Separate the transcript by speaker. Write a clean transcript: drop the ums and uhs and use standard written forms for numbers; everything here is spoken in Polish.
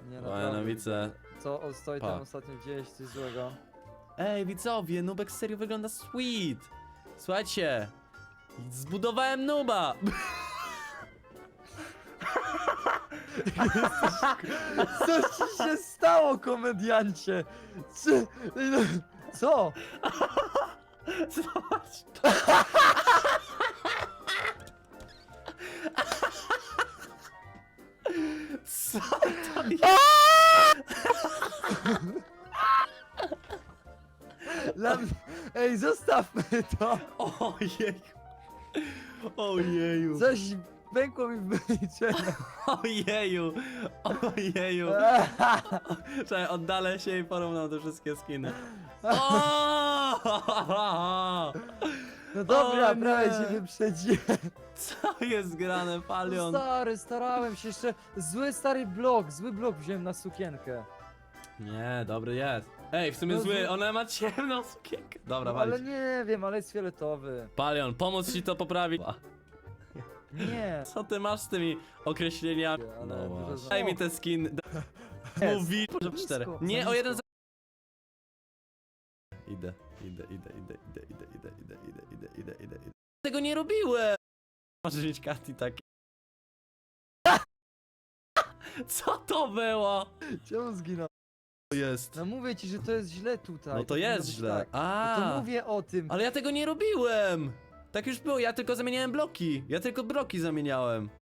Speaker 1: Nie,
Speaker 2: O, ja
Speaker 1: naprawdę.
Speaker 2: no widzę.
Speaker 1: Co stoi
Speaker 2: Pa.
Speaker 1: tam ostatnio gdzieś, coś złego?
Speaker 2: Ej, widzowie, Nubek serio wygląda sweet. Słuchajcie, zbudowałem Nuba.
Speaker 1: Co ci się stało, komediancie? Co?
Speaker 2: Zobacz. Co to jest?
Speaker 1: Ej, zostawmy to!
Speaker 2: Ojej. Ojeju.
Speaker 1: Coś pękło mi w wyliczeniu.
Speaker 2: Ojeju. Ojeju. Czekaj, oddalę się i porównam te wszystkie skiny. O!
Speaker 1: No dobra,
Speaker 2: O nie.
Speaker 1: prawie cię wyprzedziłem.
Speaker 2: Co jest grane, Palion?
Speaker 1: Stary, starałem się jeszcze. Zły blok wziąłem na sukienkę.
Speaker 2: Nie, dobry jest. Ej, w sumie
Speaker 1: No
Speaker 2: zły,
Speaker 1: zły.
Speaker 2: ona ma ciemną sukienkę. Dobra,
Speaker 1: No, ale
Speaker 2: walić.
Speaker 1: nie wiem, ale jest fioletowy.
Speaker 2: Palion, pomóc ci to poprawić.
Speaker 1: Nie.
Speaker 2: Co ty masz z tymi określeniami?
Speaker 1: Ale
Speaker 2: No
Speaker 1: dużo
Speaker 2: właśnie.
Speaker 1: za-
Speaker 2: Daj mi te skin.
Speaker 1: Jest.
Speaker 2: Mówi.
Speaker 1: Za
Speaker 2: 4.
Speaker 1: nisko,
Speaker 2: Nie,
Speaker 1: za
Speaker 2: o jeden.
Speaker 1: nisko.
Speaker 2: Idę. Tego nie robiłem. Możesz mieć karty takie. Co to było?
Speaker 1: Czemu zginął?
Speaker 2: To jest.
Speaker 1: No mówię ci, że to jest źle tutaj.
Speaker 2: No to
Speaker 1: powinno
Speaker 2: jest
Speaker 1: być
Speaker 2: źle.
Speaker 1: Tak.
Speaker 2: A.
Speaker 1: No to mówię o tym.
Speaker 2: Ale ja tego nie robiłem. Tak już było, ja tylko zamieniałem bloki. Ja tylko bloki zamieniałem.